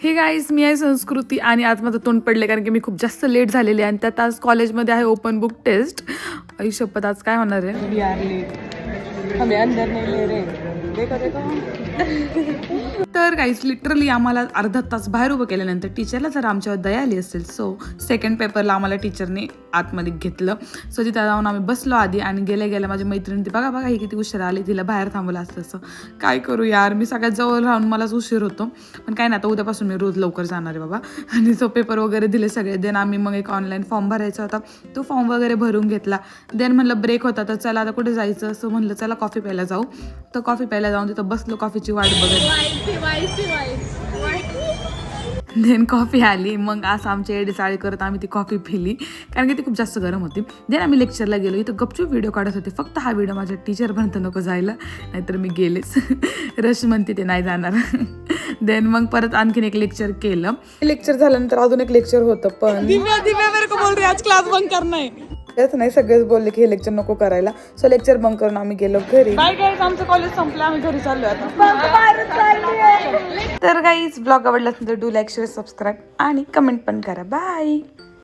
हे गाईज, मी आहे संस्कृती आणि आज माझं तोंड पडले कारण की मी खूप जास्त लेट झालेली आहे आणि त्यात आज कॉलेजमध्ये आहे ओपन बुक टेस्ट. आई शपथ, आज काय होणार आहे. We are late. हमें अंदर नहीं ले रहे. देखो देखो. तर गाईज लिटरली आम्हाला अर्धा तास बाहेर उभं केल्यानंतर टीचरला जर आमच्यावर दया आली असेल सो सेकंड पेपरला आम्हाला टीचरने आतमध्ये घेतलं. सो तिथं जाऊन आम्ही बसलो आधी आणि गेल्या माझी मैत्रिणी ती बघा ही किती उशीर आली, तिला बाहेर थांबवलं असतं. असं काय करू यार, मी सगळ्यात जवळ राहून मलाच उशीर होतो. पण काय ना, आता उद्यापासून मी रोज लवकर जाणार आहे बाबा. आणि तो पेपर वगैरे दिले सगळे. देन आम्ही मग एक ऑनलाईन फॉर्म भरायचा होता, तो फॉर्म वगैरे भरून घेतला. देन म्हणलं ब्रेक होता तर चला आता कुठे जायचं, असं म्हणलं चला कॉफी प्यायला जाऊ. तर कॉफी प्यायला जाऊन तिथं बसलो, कॉफीची वाट बघत. देन कॉफी आली. मग असं आमच्या एडीचाळी करत आम्ही ती कॉफी पिली कारण की ती खूप जास्त गरम होती. देन आम्ही लेक्चरला गेलो. इथं गपचूप व्हिडिओ काढत होते. फक्त हा व्हिडिओ माझ्या टीचरपर्यंत नको जायला, नाहीतर मी गेलेच. रश म्हणते ते नाही जाणार. देन मग परत आणखीन एक लेक्चर केलं. लेक्चर झाल्यानंतर अजून एक लेक्चर होतं पण आज क्लास बंक करणार आहे. त्याच नाही, सगळेच बोलले की हे लेक्चर नको करायला. सो लेक्चर बंक करून आम्ही गेलो घरी. बाय गाईज, आमचं कॉलेज संपलं, आम्ही घरी चाललो आता. तर गाईज, ब्लॉग आवडला असेल तर डू लाईक, शेअर, सबस्क्राईब आणि कमेंट पण करा. बाय.